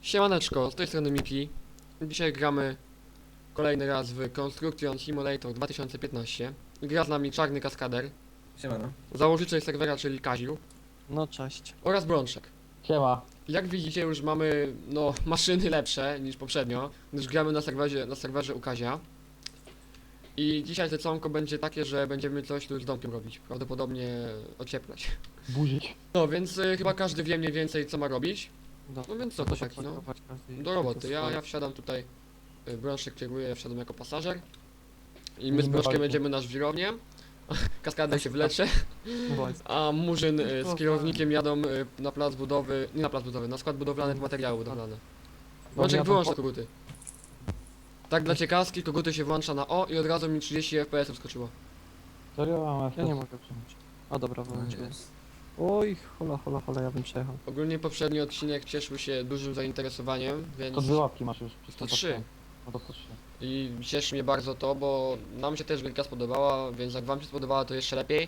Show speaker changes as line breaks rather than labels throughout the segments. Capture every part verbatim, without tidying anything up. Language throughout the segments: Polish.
Siemaneczko, z tej strony Miki. Dzisiaj gramy kolejny raz w Construction Simulator dwa tysiące piętnaście. Gra z nami Czarny Kaskader,
Siemano.
założyciel serwera, czyli Kaziu,
No cześć.
oraz Brączek.
Siema.
Jak widzicie, już mamy no maszyny lepsze niż poprzednio, gdyż gramy na serwerze, na serwerze u Kazia. I dzisiaj zacanko będzie takie, że będziemy coś tu z domkiem robić, prawdopodobnie ocieplać.
Burzyć.
No więc y, chyba każdy wie mniej więcej co ma robić.
Do,
No więc co to taki, no. Do roboty. Ja, ja wsiadam tutaj, y, Brączek kieruje, ja wsiadam jako pasażer. I my z
Nie
Brączkiem
walczy.
będziemy na żwirownię. Kaskader się wlecze,
No,
a Murzyn y, z kierownikiem jadą y, na plac budowy, nie na plac budowy, na skład budowlany, w materiały budowlane. Brączek,
ja
wyłącz
tam
te koguty. Tak dla ciekawski, koguty się włącza na O i od razu mi trzydzieści F P S wskoczyło.
Serio? Mam
ja nie mogę przejąć. A dobra, wyłączyłem. Oj, hola, hola, hola, ja bym przejechał.
Ogólnie poprzedni odcinek cieszył się dużym zainteresowaniem, więc...
To dwie łapki masz już.
To trzy.
No to to trzy.
I cieszy mnie bardzo to, bo nam się też gierka spodobała, więc jak wam się spodobała, to jeszcze lepiej.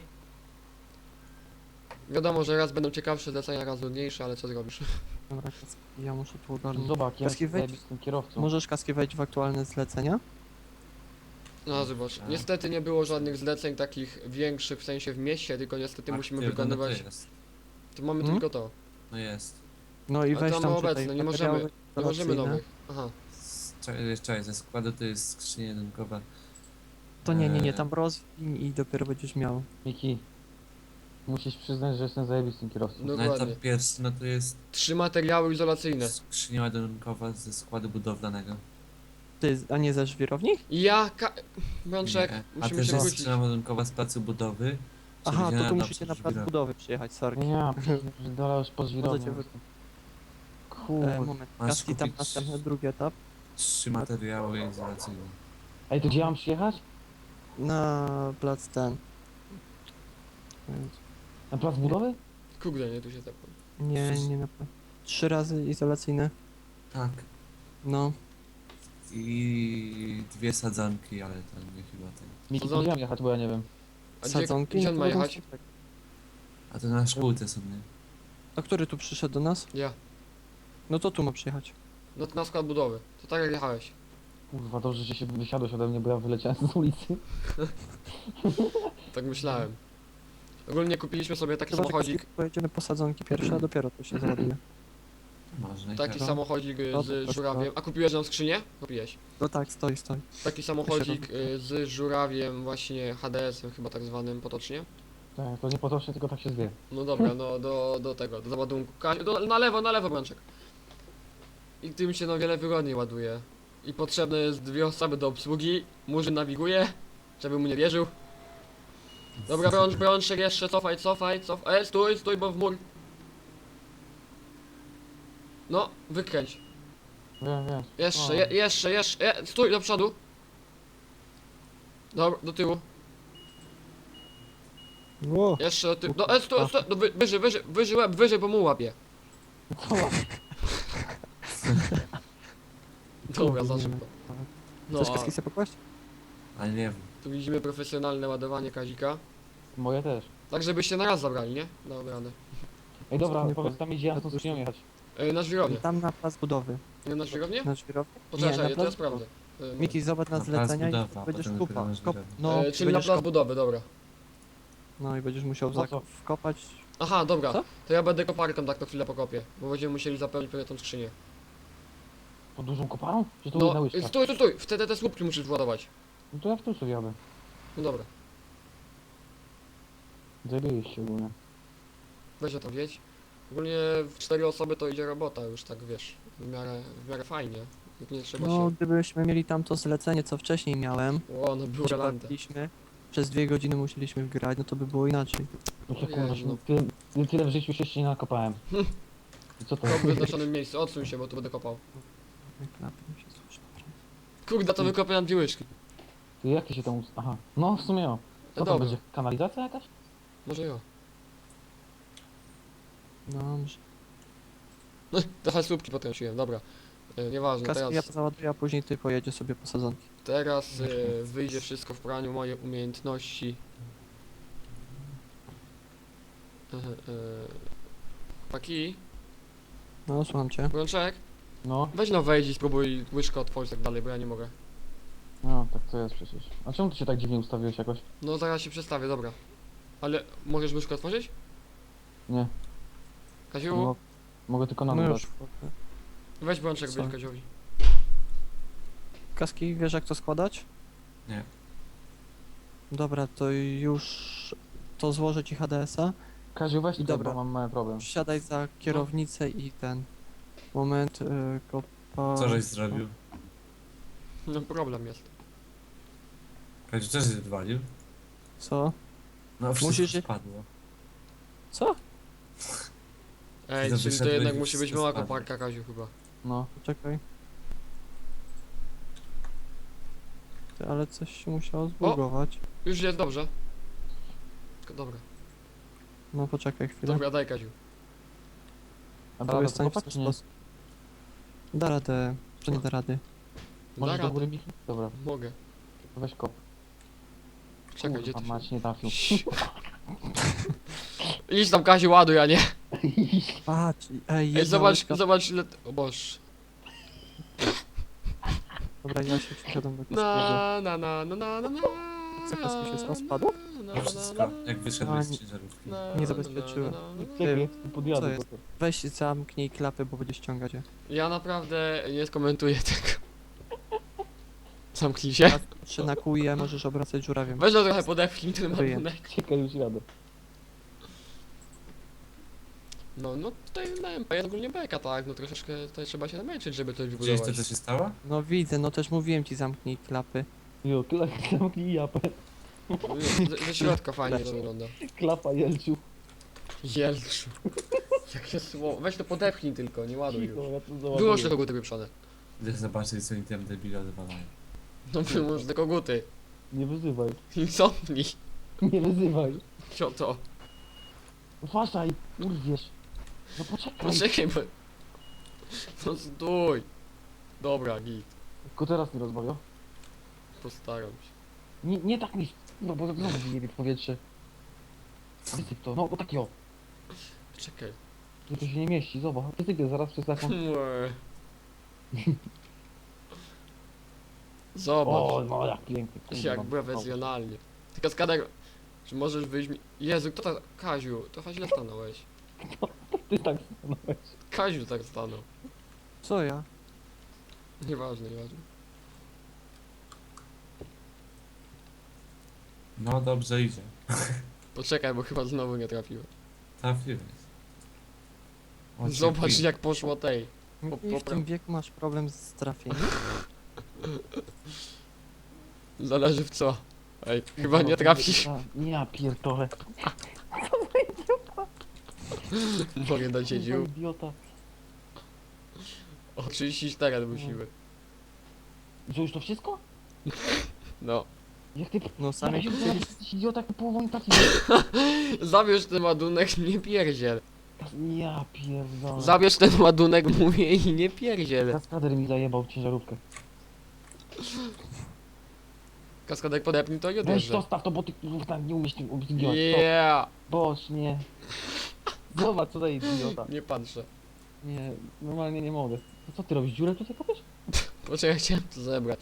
Wiadomo, że raz będą ciekawsze zlecenia, raz nudniejsze, ale co zrobisz?
Dobra, kaski, ja muszę tu ogarnąć.
Zobacz, ja
Kaski, wejdź.
z tym kierowcą.
Możesz kaski wejść w aktualne zlecenia?
No zobacz, niestety nie było żadnych zleceń takich większych, w sensie w mieście, tylko niestety musimy
Aktywne,
wykonywać...
No to jest.
To mamy
Hmm?
tylko to.
No jest.
No i
A
weź
to
tam
mamy
czytaj
obecne, nie
materiały
możemy, nie możemy
instalacyjne.
nowych. Aha.
Z- Czekaj, czekaj, ze składu to jest skrzynia jedynkowa.
To nie, nie, nie,
Eee.
tam rozwin i dopiero będziesz miał.
Miki. Musisz przyznać, że jestem zajebistym kierowcą.
No.
No i
Dokładnie.
tam pierwszy, no to jest
Trzy materiały izolacyjne.
skrzynia ładunkowa ze składu budowlanego.
Ty, a nie ze żwirowni?
Ja, ka... Brączek,
Nie. A
musimy
też
się
jest
wrócić.
skrzynia ładunkowa z placu budowy.
Aha, to
przewidziana
tu
na
musicie na
placu
plac
żwirowy.
budowy przyjechać, sorki.
Nie, dalej już po
Możecie
żwirowniu.
wy... E,
Kurde.
moment,
Masz
kaski tam
kupić-
następny, drugi etap.
Trzy materiały izolacyjne.
Ej, to gdzie mam przyjechać?
Na plac ten.
Na plac budowy?
Kurde, nie, tu się tepłem.
Nie, nie na plac. Trzy razy izolacyjne.
Tak.
No.
I dwie sadzanki, ale to nie chyba ten.
Miki,
za-
to gdzie mam jechać, bo ja nie wiem.
A gdzie,
Sadzonki?
gdzie on
No
ma
to
jechać?
będą-
A to na szkółce są, nie?
A który tu przyszedł do nas?
Ja.
No to tu ma przyjechać.
No to na skład budowy. To tak jak jechałeś.
Kurwa, dobrze, że się wysiadłeś ode mnie, bo ja wyleciałem z ulicy.
Tak myślałem. Ogólnie kupiliśmy sobie taki
Chyba, że
samochodzik.
kaski pojedziemy po sadzonki pierwsze, a dopiero to się załaduje.
Można i
Taki
tak.
samochodzik y,
No,
z
to
żurawiem. A kupiłeś nam skrzynię? Kupiłeś.
No tak, stoi, stoi.
Taki samochodzik y, z żurawiem, właśnie H D S-em chyba tak zwanym potocznie.
Tak, to nie potocznie, tylko tak się zwie.
No dobra, no do, do tego, do załadunku. Ka- Do, na lewo, na lewo Brączek. I tym się no wiele wygodniej ładuje. I potrzebne jest dwie osoby do obsługi. Murzyn nawiguje, żeby mu nie wierzył. Dobra, Brącz, Brączek jeszcze cofaj, cofaj, cofaj. E, stój, stój, bo w mur. No, wykręć.
Wiem, wiem.
Jeszcze,
O.
je, jeszcze, jeszcze, je, stój do przodu. Dobra, do tyłu.
Ło!
Jeszcze do tyłu. Do, e, stój, stój, do, wy, wyżej, wyżej, wyżej łeb, wyżej, bo mu łapie. Dobra, za szybko. No,
Chcesz
a
kaski sobie pokłaść?
Ale nie wiem.
tu widzimy profesjonalne ładowanie Kazika.
Moje też.
Tak, żebyście na raz zabrali, nie? Dobra, radę.
Ej, dobra,
Nie
powiedz tam, gdzie ja tą skrzynią jechać.
E, na żwirownię.
Tam na plac budowy.
Nie na żwirownię?
Na żwirowni?
Poczekaj,
na
to ja
plac
sprawdzę. E,
Miki, zobacz na
Na plac
zlecenia i
budowy, a
będziesz
potem dopiero
kupa.
na
Kop,
żwirownię.
no,
e, czyli na
będziesz
plac
kop,
budowy, dobra.
no i będziesz musiał
Po co?
zak- wkopać.
Aha, dobra.
Co?
To ja będę koparką tak to chwilę pokopię. Bo będziemy musieli zapełnić pewnie tą skrzynię.
Pod dużą koparą? Czy to jedna
No,
łyżka?
e, stój, stój, stój. Wtedy te słupki musisz władować.
No to ja w tym sobie jadę.
No dobra.
Zajebiście ogólnie.
Weź o to wiedź. Ogólnie w cztery osoby to idzie robota już tak, wiesz, w miarę, w miarę fajnie. Jak nie trzeba
No,
się...
gdybyśmy mieli tam to zlecenie, co wcześniej miałem,
O, no było
gdzie
galante.
bawiliśmy, przez dwie godziny musieliśmy wgrać, no to by było inaczej.
No to
Jezu,
kurwa,
no.
tyle, tyle, tyle w życiu się jeszcze nie nakopałem. I co to?
To w wyznaczonym miejscu, odsuń się, bo tu będę kopał.
Klapy mi się słyszą.
Kurde, to wykopię nam dwie łyżki.
Ty, jak ty się tam... ust- Aha, no w sumie o. Co
No
tam
dobra,
będzie? Kanalizacja jakaś?
może jo.
Dobrze.
No, trochę słupki potrąciłem, dobra. E, nieważne,
Kaski ja
teraz,
to załaduję, a później ty pojedziesz sobie po sadzonki.
teraz e, wyjdzie wszystko w praniu, moje umiejętności. E, e, Chłopaki,
No, słucham cię.
Brączek,
No,
Weź no wejdź i spróbuj łyżkę otworzyć tak dalej, bo ja nie mogę.
no, tak to jest przecież. A czemu ty się tak dziwnie ustawiłeś jakoś?
No zaraz się przestawię, dobra. Ale możesz łyżkę otworzyć?
Nie,
Kaziu,
No,
mogę tylko na
no
dół
już.
dać.
weź brączek,
Co?
wyjdź Kaziowi.
Kaski, wiesz jak to składać?
Nie.
Dobra, to już to złożę ci H D S-a.
Kaziu, weź
I
tutaj,
dobra.
bo mam mały problem.
Siadaj za kierownicę i ten. Moment, y, kopa.
Co żeś zrobił?
No problem jest.
Kaziu, co żeś wywalił?
Co?
No wszystko
Musisz się-
spadło.
Co?
Ej,
to
czyli to
wyszedłeś
jednak
i
musi być
wszystko
mała
spadło.
koparka, Kaziu, chyba.
No,
Czekaj. Ty, ale coś się musiało zbugować.
Już jest dobrze. Tylko dobra.
No poczekaj chwilę.
Dobra, daj Kaziu.
a
To
da
jest
radę
ten
kopać, czy nie?
sposób. Da radę. Czy nie da rady?
Da
Możesz do
radę.
góry bić? Dobra,
Mogę.
to weź kop.
Czekaj, gdzie
Kurwa,
to się...
mać nie trafił.
Idź tam Kaziu, ładuj, a nie.
Patrz, ej,
Ej,
jedna
zobacz,
łyżka-
zobacz ile... O boż.
Dobra, ja się przysiadam do kaskiego.
Na na na na na na na.
Co, kaski się sam spadło?
Na,
No
na,
wszystko,
na,
jak wyszedłeś
A,
z
nie-
ciężarówki.
na,
Nie
na,
zabezpieczyłem.
na, na, na.
Czekaj,
Co
podjadę.
jest?
bo to-
Weź zamknij klapy, bo będzie ściągać je.
Ja naprawdę nie skomentuję tego. Zamknij się.
Czy na kuje możesz obracać żurawiem.
Weź to trochę podepchnij ten
Wyję.
ładunek.
Czekaj, już jadę.
No, no tutaj na M P jest ogólnie beka, tak? No troszeczkę tutaj trzeba się namęczyć, żeby coś
Widziałeś to,
wybudować.
co się stało?
No widzę, no też mówiłem ci zamknij klapy.
Jo, kla- zamknij japę.
Ze, ze środka fajnie to wygląda.
Klapa Jelciu.
Jelczu. Jakie słowo. Weź to podepchnij tylko, nie ładuj
Cicho,
już.
ja to
Wyłącz
załaduję.
te koguty wyprzone.
Idę zobaczyć, co oni tam debile odwalają.
No wyłącz te koguty.
Nie wyzywaj.
I cofnij.
Nie wyzywaj.
Co to?
Uważaj, urwiesz. No poczekaj.
Poczekaj, bo... No stój. Dobra, git.
Tylko teraz nie rozmawiał.
Postaram się.
Nie, nie tak mi. No bo znowu wyjebie w powietrze. Wysyp to, no bo tak jo.
Czekaj.
Tu to się nie mieści, zobacz. Wysypię zaraz przez taką.
Mue.
O,
Zobacz,
no jak pięknie. kurwa.
jak profesjonalnie. Tylko skader, czy możesz wyjść mi... Jezu, kto tak... Kaziu, trochę źle stanąłeś.
Ty tak stanąłeś.
Kaziu tak stanął.
Co ja?
Nieważne, nieważne.
No dobrze idzie.
Poczekaj, bo chyba znowu nie trafiłem.
Trafiłeś. O,
Zobacz
cię
jak poszło tej. Po-
I w
popra-
tym wieku masz problem z trafieniem?
Zależy w co. Ej, chyba nie trafisz.
Nie, ja pierdolę.
Mogę dać się
Kurwa,
dziób.
idiota.
O trzydzieści cztery musimy.
Co, już to wszystko?
No.
Jak ty...
No sami
Jakaś
chcieli...
jesteś idiota, jak ty połową nie trafisz.
Zabierz ten ładunek, nie pierdziel.
Ja pierdolę.
Zabierz ten ładunek, mówię, i nie pierdziel.
Kaskader mi zajebał ciężarówkę.
Kaskadek podepnij to i
Weź
odjeżdżaj.
zostaw to, bo ty kurwa nie umiesz tym obsługiwać.
Yeah!
Boż, nie. Zobacz, co to jest idiota.
Nie patrzę.
Nie, normalnie nie mogę. To co ty robisz, dziurę tutaj kopiesz?
Poczekaj, chciałem to zebrać.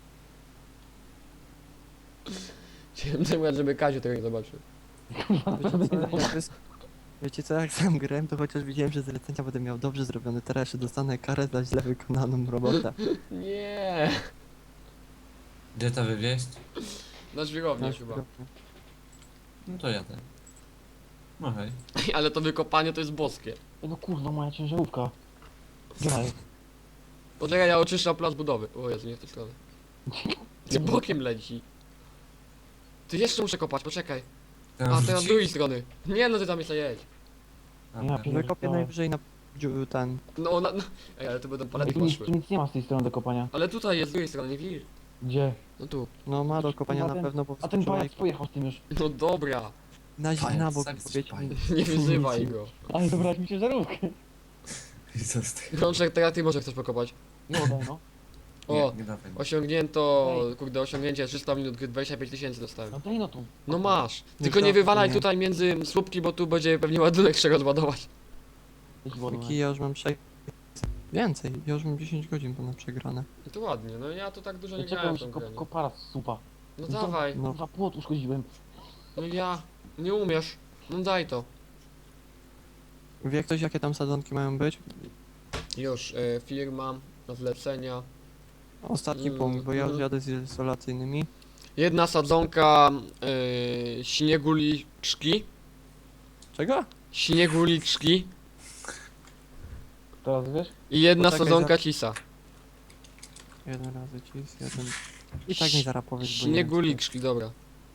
Chciałem zebrać, żeby Kaziu tego nie zobaczył.
Wiecie co, jak wys- Wiecie co, jak sam grałem, to chociaż widziałem, że zlecenia będę miał dobrze zrobione. Teraz jeszcze dostanę karę za źle wykonaną robotę.
Nie.
Gdzie to wywieźć?
Na żwirownię
Na
chyba.
chwilę.
No to jadę. No hej.
Ale to wykopanie to jest boskie.
Ej, no kurwa, moja ciężarówka. Graj.
Poczekaj, ja oczyszczam plac budowy. O Jezu, nie w tę stronę. Nie bokiem leci. Ty jeszcze muszę kopać, poczekaj.
Tam
A, teraz z
wróci?
drugiej strony. Nie, no ty tam jeszcze jedź.
A,
Ja
tak.
pierdolę.
Wykopię najwyżej na dziu- ten.
No, na, no. Ej, ale to będą
Ej,
palety
tu, nic,
poszły.
tu nic nie ma z tej strony do kopania.
Ale tutaj jest z drugiej strony, nie widzisz?
Gdzie?
No tu.
No ma do kopania
Kurwa,
na
ten-
pewno, bo
A ten
wczoraj
pajac pojechał z tym już.
No dobra.
na, zi-
Pajac,
na bok
sam jesteś
powiedz
pajac.
Nie wyzywaj go.
Ale zabrać mi ciężarówkę.
I co z tego?
Rączek, teraz ty może chcesz pokopać.
Nie oddaj, no.
O,
Nie, nie dawaj.
osiągnięto,
Daj.
kurde, osiągnięcie trzysta minut, dwadzieścia pięć tysięcy dostałem.
No daj no tu.
No masz.
Nie
Tylko nie
trafię,
wywalaj
nie.
tutaj między słupki, bo tu będzie pewnie ładunek trzeba rozładować.
Weź wodę.
Jaki ja już mam sześć. Więcej, ja już mam dziesięć godzin ponad przegrane.
I to ładnie, no ja to tak dużo nie
Czekaj,
grałem w
się
tą
kop,
grę. nie?
kopara supa.
No
co?
dawaj,
No,
Kurwa, płot uszkodziłem.
no ja, nie umiesz. No daj to.
wie ktoś jakie tam sadzonki mają być?
Już, y, firma, na zlecenia.
Ostatni
Mm,
punkt, bo ja już
mm.
jadę z izolacyjnymi.
Jedna sadzonka y, śnieguliczki.
Czego?
Śnieguliczki.
Teraz wiesz?
I jedna
Poczekaj,
sadzonka
za-
cisa.
Jeden razy cis, jeden... I tak mi zaraz powiesz, bo nie wiem, co to jest.
Śnieguliczki, dobra.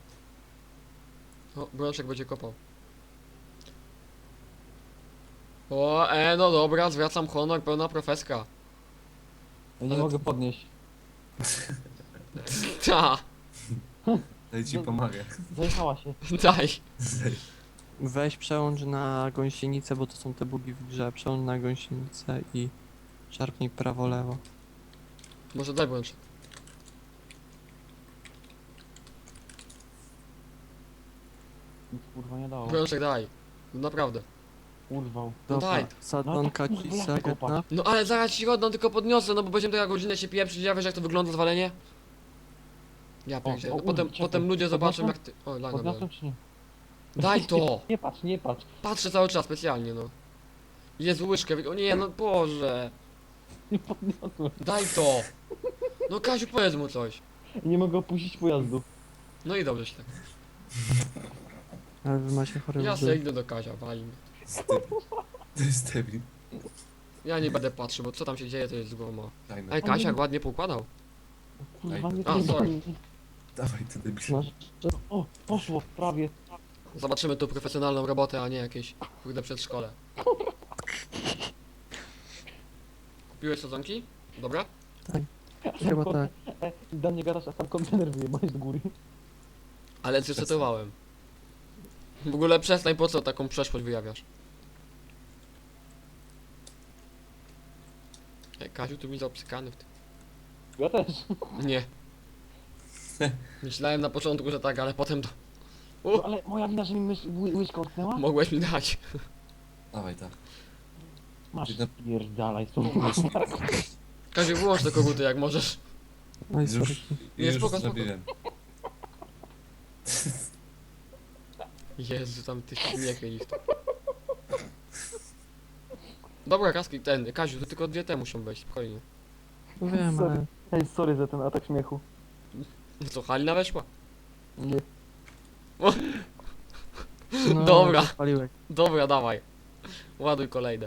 O, Brączek będzie kopał. O, e, no dobra, zwracam honor, pełna profeska.
Ja nie
Ale
mogę
to-
podnieść.
Ta,
Daj ci
No-
pomagę.
Zajechała się.
daj.
Weź przełącz na gąsienicę, bo to są te bugi w grze. Przełącz na gąsienicę i szarpnij prawo-lewo.
Może daj Brączek.
Nic kurwa nie dało.
Brączek daj. No naprawdę.
Urwał.
No
Dobra,
daj.
sadzonka
No tak, kurwa,
cisa
jak
jedna.
kopać?
No ale zaraz ci oddam, tylko podniosę, no bo będziemy taka godzinę się pieprzyć, ja wiesz jak to wygląda zwalenie? Ja pierdzielę,
o,
no potem,
czekaj,
potem ludzie zobaczą jak
podniosłem?
ty... O, laga
Podniosłem
miałem.
czy nie?
Daj to!
Nie patrz, nie patrz.
Patrzę cały czas specjalnie, no. Jezu, łyżkę, wy- o nie, no Boże.
Nie podniosłem.
Daj to! No Kaziu, powiedz mu coś.
Nie mogę opuścić pojazdu.
No i dobrze się tak.
Ale wy macie chore
Ja
łzy.
sobie idę do Kazia, wali mnie.
To jest debil.
Ja nie będę patrzył, bo co tam się dzieje, to jest złoma.
Dajmy.
Ej, Kasia ładnie poukładał.
Kurwa, nie
A, sorry.
nie-
Dawaj, ty debil.
Masz- O, poszło, prawie.
Zobaczymy tu profesjonalną robotę, a nie jakieś kurde przedszkole. Kupiłeś sadzonki? Dobra?
Chyba tak.
E, do mnie gadasz, a sam kontener wyjebałeś do góry.
Ale zresetowałem. W ogóle przestań, po co taką przeszłość wyjawiasz? Ej, Kaziu, tu mi zaobcykany w tym.
Ja też.
Nie. Myślałem na początku, że tak, ale potem to...
No, ale moja wina, że mi mysz, ły, łyżka utknęła?
Mogłeś mi dać.
Dawaj, tak.
Masz,
Ty na-
pierdalaj, co?
Kaziu, wyłącz te koguty jak możesz.
Oj, sorry.
Już,
Nie,
już
spoko, spoko.
zrobiłem.
Jezu, tam ty śmiechy ich to. Dobra, kaski, ten, Kaziu, to tylko dwie te muszą wejść, spokojnie.
Wiem, ale...
Ej, sorry za ten atak śmiechu.
Co, Halina weszła?
Nie.
No,
Dobra.
Paliłek.
Dobra, dawaj. Ładuj kolejne.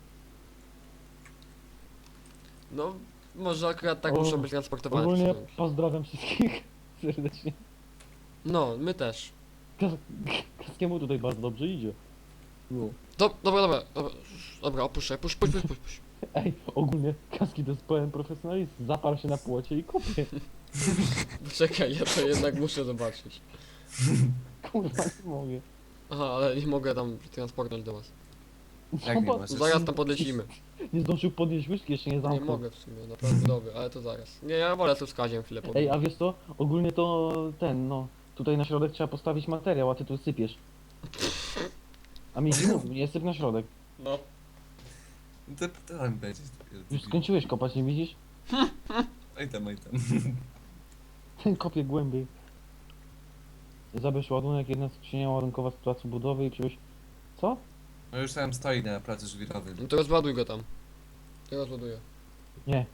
No, może akurat tak
O,
muszą być transportowane.
Ogólnie
przez noc.
pozdrawiam wszystkich serdecznie.
No, my też.
Kas Kaskiemu tutaj bardzo dobrze idzie. No.
Do, dobra, dobra, dobra, dobra, opuszczaj, puść, puść, puść, puść, puść.
Ej, ogólnie Kaski to jest pełen profesjonalizm. Zaparł się na płocie i kopie.
Czekaj, ja to jednak muszę zobaczyć.
Kurwa, nie mogę.
Aha, ale nie mogę tam transportnąć do was.
Jak nie
Zobacz,
masz?
Zaraz tam podlecimy.
Nie zdążył podnieść łyżki, jeszcze nie
Nie
zamknął.
mogę w sumie, naprawdę dobry, ale to zaraz. Nie, ja wolę tu z Kaziem chwilę
Ej,
pogadać.
a wiesz co? Ogólnie to ten, no. Tutaj na środek trzeba postawić materiał, a ty tu sypiesz. A mi mówił, nie syp na środek.
No.
To to tam będzie.
Już skończyłeś kopać, nie widzisz?
Oj tam, oj tam.
Ten kopie głębiej. Zabierz ładunek, jedna skrzynia ładunkowa z placu budowy i przywieź... Co?
No już tam stoi na placu żwirowym.
No to rozładuj go tam. Ja rozładuję.
Nie.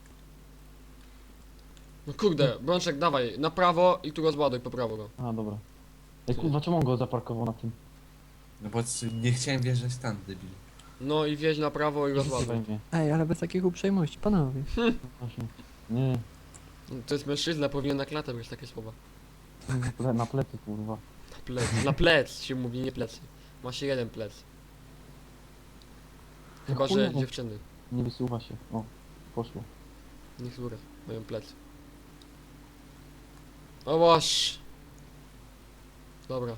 No kurde, Brączek, dawaj, na prawo i tu rozładuj po prawo go.
A, dobra. Ej, kurwa, czemu on go zaparkował na tym?
No bo c- nie chciałem wjeżdżać tam, debil.
No i wjeźdź na prawo i rozładuj.
Zajmie.
Ej, ale bez takich uprzejmości, panowie.
Właśnie. Nie,
No to jest mężczyzna, powinien na klatę być takie słowa.
na ple- na plecy, kurwa.
Na plec, na plec się mówi, nie plecy. Ma się jeden plec. Chyba, że
Kurwa.
dziewczyny.
Nie wysuwa się. O, poszło.
Niech zgórę, mają plecy. O boż! Dobra.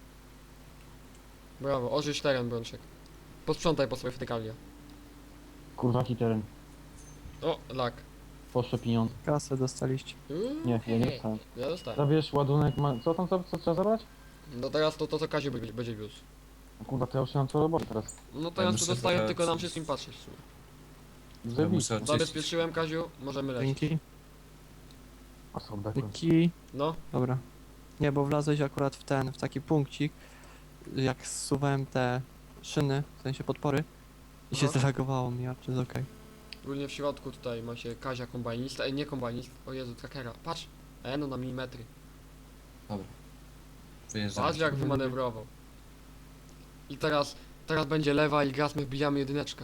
Brawo, ożyć teren, Brączek. Posprzątaj po sobie fetykalia.
Kurwa, jaki teren.
O, lak.
Poszło pieniądze.
Kasę dostaliście.
Uuu,
Nie, ja nie dostałem.
Ja dostałem.
Zabierz ładunek, ma... co tam, co, co trzeba zabrać?
No teraz to, to co Kaziu będzie, będzie wiózł.
Kurwa, to ja już nie mam co robić teraz.
No
Ja
teraz to
muszę
dostaję
trochę
tylko nam
coś-
wszystkim patrzeć w sumie.
Zajebiście.
muszę-
Zabezpieczyłem, Kaziu, możemy lecieć.
Dzięki.
A są bekły.
Dzięki.
No,
Dobra. Nie, bo wlazłeś akurat w ten, w taki punkcik, jak zsuwałem te szyny, w sensie podpory i się
Aha.
zreagowało mi, a czy jest okej.
ogólnie w środku tutaj macie Kazia kombajnista, e, nie kombajnist, o Jezu, trackera, patrz, e, no na milimetry,
Dobra. Wyjeżdżamy.
patrz jak wymanewrował. I teraz, teraz będzie lewa i gaz, my wbijamy jedyneczkę.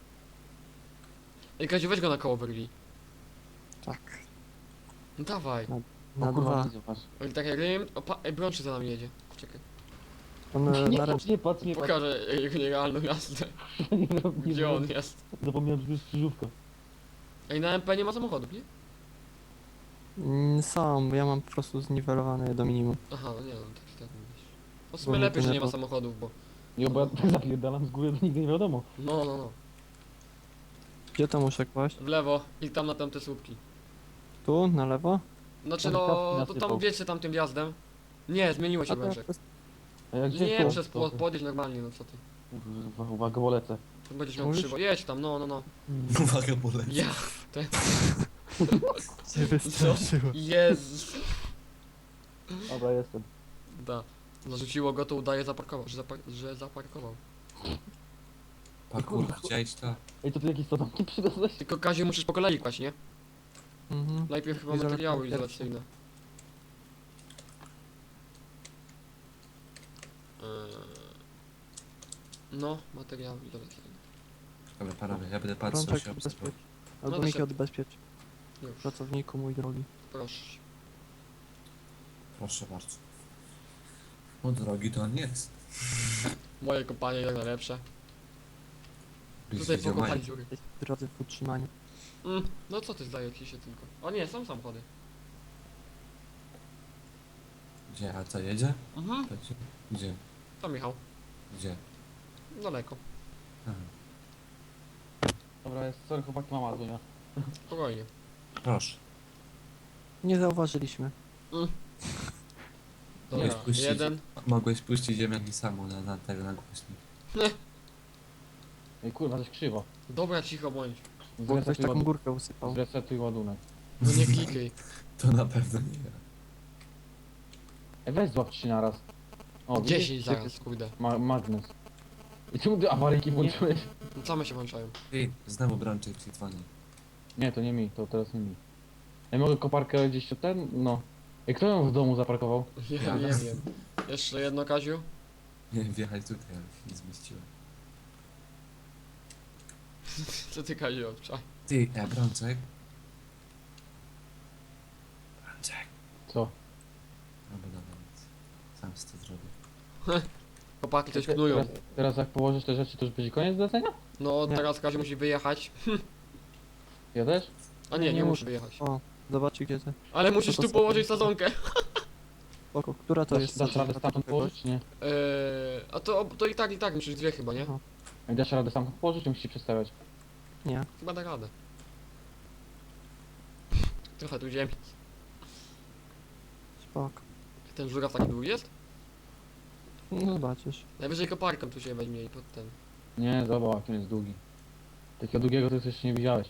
Ej, Kaziu, weź go na koło wyrwij.
Tak.
No dawaj.
Na
O kurwa,
dwa.
widzę was.
Oj, takie rym, o, pa, ej, Brączy za nami jedzie, czekaj.
On e,
Nie
na ręce.
patrz, nie patrz, nie patrz.
Pokażę jego nierealną jazdę,
Nie, nie, nie,
gdzie on jest.
Zapomniałem, że to jest krzyżówka.
Ej, na M P nie ma samochodów, nie?
Mm, Są, ja mam po prostu zniwelowane je do minimum.
Aha, no nie, no tak, tak mówisz. No w
Bo
sumie
mnie
lepiej,
to
że
nie
nie ma
po-
samochodów, bo...
Nie, bo ja tak zapierdalam z góry, to nigdy nie wiadomo.
No, no, no.
Gdzie to muszę kłaść?
W lewo i tam na tamte słupki.
Tu, na lewo?
Znaczy
Tam
no,
kawki
to
nasypał.
tam wiecie tam tym wjazdem. Nie, zmieniło się
A to
Brączek.
przez-
A jak gdzie
Nie,
tu?
przez płot, podjedź normalnie, no co ty.
Kurwa, uwaga, bo lecę.
Tu będziesz miał
Mówisz?
krzywo. Jedź tam, no, no, no.
Uwaga, bo leci.
Ja,
Cię wystraszyło.
Jezus.
Dobra, jestem.
Da. Zarzuciło go, to udaje zaparkował, że, zapar że zaparkował.
Parkour, chciałeś to?
Ej, to ty jakieś sadomki przywiozłeś?
Tylko Kaziu musisz po kolei kłaść, nie?
Mhm.
Najpierw chyba
Izolacja
materiały
pierwsza.
izolacyjne. Eee, No, materiały izolacyjne.
Dobra, panowie, ja będę patrzył
Rączek
się obserwował.
odbezpiecz. Albo
No
Miki
to się-
odbezpiecz.
Już,
Pracowniku mój drogi.
proszę.
Proszę bardzo. No drogi to on nie jest.
Moje kopanie jak najlepsze.
Byś
Tutaj
widział
pokopali
moje.
dziury.
Jesteś w drodze w utrzymaniu.
Mm, no co ty zdaje ci się tylko? O nie, są samochody.
Gdzie? A co, jedzie?
Mhm.
To gdzie? Gdzie?
To Michał.
Gdzie?
Daleko.
Aha.
Dobra, jest, sorry, chłopaki, mama dzwonia.
Spokojnie.
Proszę.
Nie zauważyliśmy.
Dobra,
puścić.
jeden.
Mogłeś puścić ziemiaki samą na, na tego, na głośnik.
Ej, kurwa, coś krzywo.
Dobra, cicho bądź.
Bo ktoś
Zresetuj,
taką
ładunek.
górkę usypał.
Zresetuj ładunek.
No nie klikaj.
To na pewno nie ja.
Ej, weź złap trzy naraz. O, widzisz?
dziesięć zaraz, kurde.
Ma magnes. I czemu ty awaryjki włączyłeś?
No same się włączają.
Ty, znowu Brączek ci dzwoni.
Nie, to nie mi, to teraz nie mi. Ej, mogę koparkę gdzieś tu ten? No. Ej, kto ją w domu zaparkował?
Ja
Ja.
nie wiem. Jeszcze jedno, Kaziu.
Nie, wjechać tutaj, ale się nie zmieściłem.
Co ty, Kaziu, odczaj.
Ty, e, Brączek? Brączek.
Co?
No bo dobra, nic. Sam z to zrobię.
Chłopaki coś
Te-
knują.
Teraz, teraz jak położysz te rzeczy, to już będzie koniec zlecenia?
No
Nie.
teraz Kaziu musi wyjechać.
Ja też?
A nie, nie
Nie
musi
muszę.
wyjechać.
O, zobaczcie gdzie to.
Ale musisz
to
tu
sobie-
położyć sadzonkę.
Spoko, która to
Dasz,
jest?
dasz radę stamtąd położyć, czy nie?
Eee, a to, to i tak, i tak musisz dwie chyba, nie?
Aha.
Ej, dasz radę stamtąd położyć, czy musisz się przestawiać?
Nie.
Chyba da radę. Trochę tu ziemi.
Spoko.
Ten żuraw taki długi jest?
No zobaczysz.
Najwyżej koparką tu się weźmie i pod ten.
Nie, zobacz, jaki on jest długi. Takiego długiego to ty jeszcze nie widziałeś.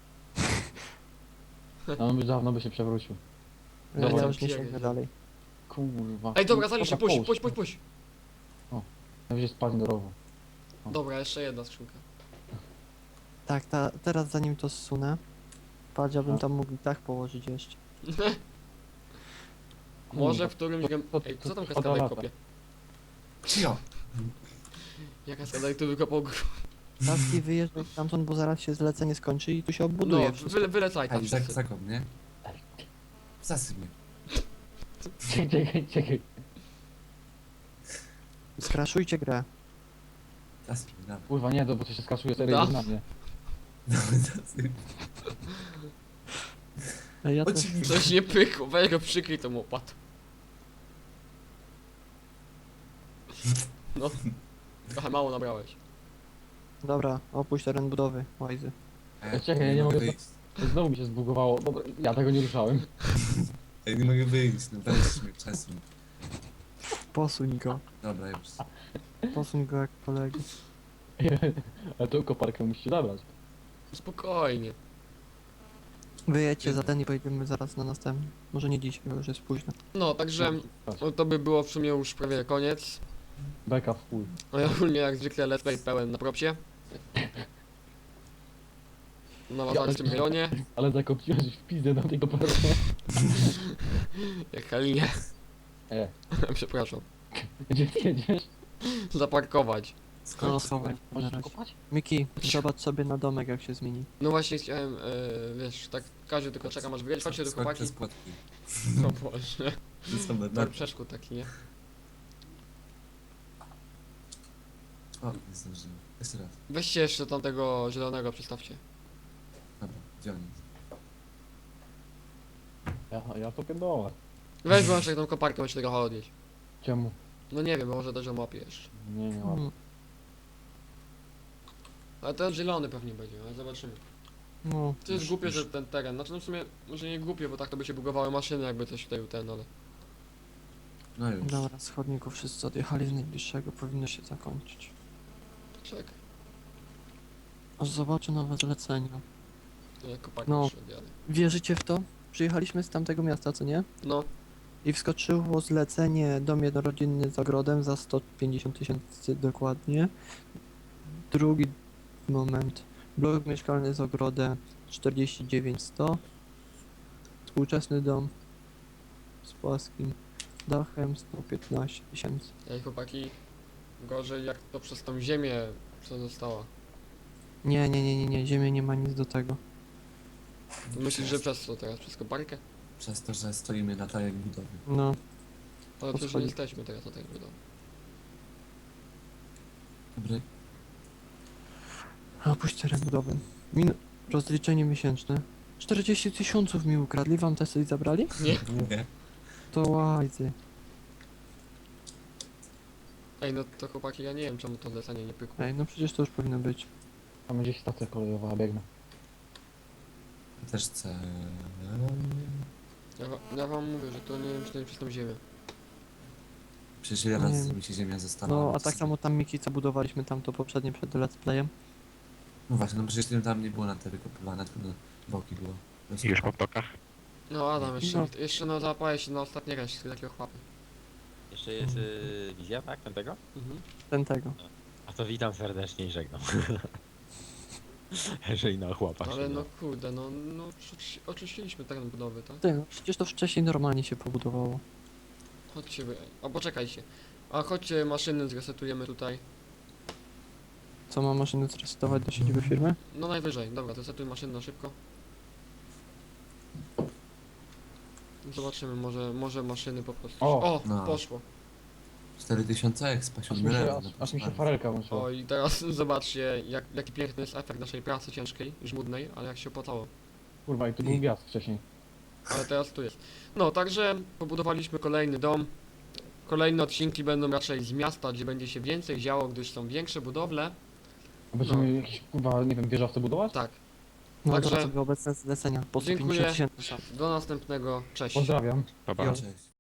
No, on by dawno by się przewrócił.
Ja,
Dobra,
ja już nie
pierdzie.
sięgnę dalej.
Kurwa.
Ej, dobra, zalisz się, puść,
połóż.
puść, puść, puść.
Najwyżej spadnie do rowu.
Dobra, jeszcze jedna skrzynka.
Tak, ta, teraz zanim to zsunę, patrz, ja bym
A.
tam mógł i tak położyć jeszcze.
Może w którymś gem...
to- to-
Ej, co tam
to
kaskadaj
lata.
kopie?
Cio!
Ja kaskadaj tu wykopał gr...
Taski wyjeżdżaj stamtąd, bo zaraz się zlecenie skończy i tu się obuduje.
No,
wszystko.
wyle, wylecaj tam
Ej, zak,
wszyscy.
zakop, nie? Zasyp mnie.
Czekaj, czekaj, czekaj.
Skraszujcie grę.
Zasyp mnie, dawaj.
Kurwa, nie, to bo to się skaszuje serio
Da.
na mnie.
Dawaj, zasyp.
Ej, ja też.
Oczywiście.
Coś nie pykło, weź go przykryj tą łopatą. No. Trochę mało nabrałeś.
Dobra, opuść teren budowy, łajzy.
Ej,
Czekaj, ja nie mogę
wyjść.
Znowu mi się zbugowało. Dobra, ja tego nie ruszałem.
Ej, nie mogę wyjść, no weź mnie, przesuń.
Posuń go.
Dobra, już.
Posuń go jak kolegi.
A tą koparkę musicie zabrać.
Spokojnie.
Wyjedźcie za ten i pojedziemy zaraz na następny. Może nie dzisiaj, bo już jest późno.
No, także no, to by było w sumie już prawie koniec.
Beka w chuj.
No i ogólnie jak zwykle let's play pełen na propsie. Na wazarskim rejonie.
Ale zakopiłeś w pizdę na tego parku.
Jak Halinie.
E,
Przepraszam.
gdzie ty jedziesz?
Zaparkować.
No,
Skąd?
schowaj.
Możesz kopać?
Miki, zobacz sobie na domek jak się zmieni.
No właśnie chciałem, e, wiesz, tak każdy tylko czeka, aż wyjedzie. Chodźcie do
Skąd
chłopaki.
te składki?
No właśnie.
To są
Tor
na...
przeszkód taki, nie?
O, nie zdążyłem. Jeszcze raz.
Weźcie jeszcze tamtego zielonego, przystawcie.
Dobra, gdzie on jest?
Ja, ja to pierdolę.
Weź wyłączaj tą koparkę, muszę trochę odnieść.
Czemu?
No nie wiem, może też ją łapie jeszcze.
Nie, nie mam.
Mm,
Ale ten zielony pewnie będzie, ale zobaczymy.
No,
To jest
Już-
głupie,
już.
że ten teren, znaczy no w sumie, może nie głupie, bo tak to by się bugowały maszyny, jakby coś tutaj ten, ale...
No już.
dobra, z chodników wszyscy odjechali z najbliższego, powinno się zakończyć.
Czekaj,
Aż zobaczę nowe zlecenia.
ja koparkę
No.
jeszcze odjadę.
Wierzycie w to? Przyjechaliśmy z tamtego miasta, co nie?
No,
I wskoczyło zlecenie dom jednorodzinny z ogrodem za sto pięćdziesiąt tysięcy dokładnie. Drugi moment. Blok mieszkalny z ogrodem czterdzieści dziewięć sto. Współczesny dom z płaskim dachem sto piętnaście tysięcy.
ej chłopaki, gorzej jak to przez tą ziemię, co została.
Nie, nie, nie, nie, nie, ziemia nie ma nic do tego.
Myślisz, że przez co teraz? Przez koparkę?
Przez to, że stoimy na tajek budowy.
No,
Ale przecież nie
schodzi.
jesteśmy teraz na tej budowie.
Dobry.
a puść teren budowy. Min rozliczenie miesięczne. czterdzieści tysiąców mi ukradli, wam te coś zabrali?
Nie?
Nie.
To łajzy.
Ej, no to chłopaki, ja nie wiem czemu to zlecenie nie pykło.
Ej, no przecież to już powinno być.
Tam gdzieś stacja kolejowa, biegnę.
Ja też chcę...
Ja, wa- ja wam mówię, że to nie wiem, czy to nie przez tą ziemię.
Przecież ile razy
Nie.
mi się ziemia została.
No, a tak samo tam Miki, co budowaliśmy tam to poprzednie przed let's playem.
No właśnie, no przecież tym tam nie było na te wykopywane, tylko na boki było. To jest-
Już po blokach?
No Adam, jeszcze,
No.
jeszcze no zapaję się na ostatnie resztki takiego chłapy.
Jeszcze jest y, wizja, tak? Ten tego?
Mhm.
Ten tego.
A to witam serdecznie i żegnam. Jeżeli na chłopak.
Ale
się
no
da.
kurde, no, no oczyści- oczyściliśmy teren budowy, tak?
Ty, no przecież to wcześniej normalnie się pobudowało.
Chodźcie wy, a poczekajcie. A chodźcie maszyny zresetujemy tutaj.
Co, ma maszyny zresetować do siedziby firmy?
No najwyżej, dobra, zresetuj maszyny na szybko. Zobaczymy, może, może maszyny po prostu...
O!
O,
No.
poszło.
cztery tysiące expa,
Aż mi
siódmy
się,
level.
aż,
no
aż mi się
proszę
farelka włączyła.
O i teraz zobaczcie, jak, jaki piękny jest efekt naszej pracy ciężkiej, żmudnej, ale jak się opłacało.
Kurwa, i tu był gwiazd wcześniej.
Ale teraz tu jest. No, także pobudowaliśmy kolejny dom. Kolejne odcinki będą raczej z miasta, gdzie będzie się więcej działo, gdyż są większe budowle.
A będziemy
No.
jakieś, kurwa, nie wiem, wieżowce budować?
Tak,
No
Także-
to sobie obecne zlecenia po sto
Dziękuję.
pięćdziesiąt tysięcy.
do następnego, cześć.
Pozdrawiam.
Pa, pa.
Jo.
Cześć.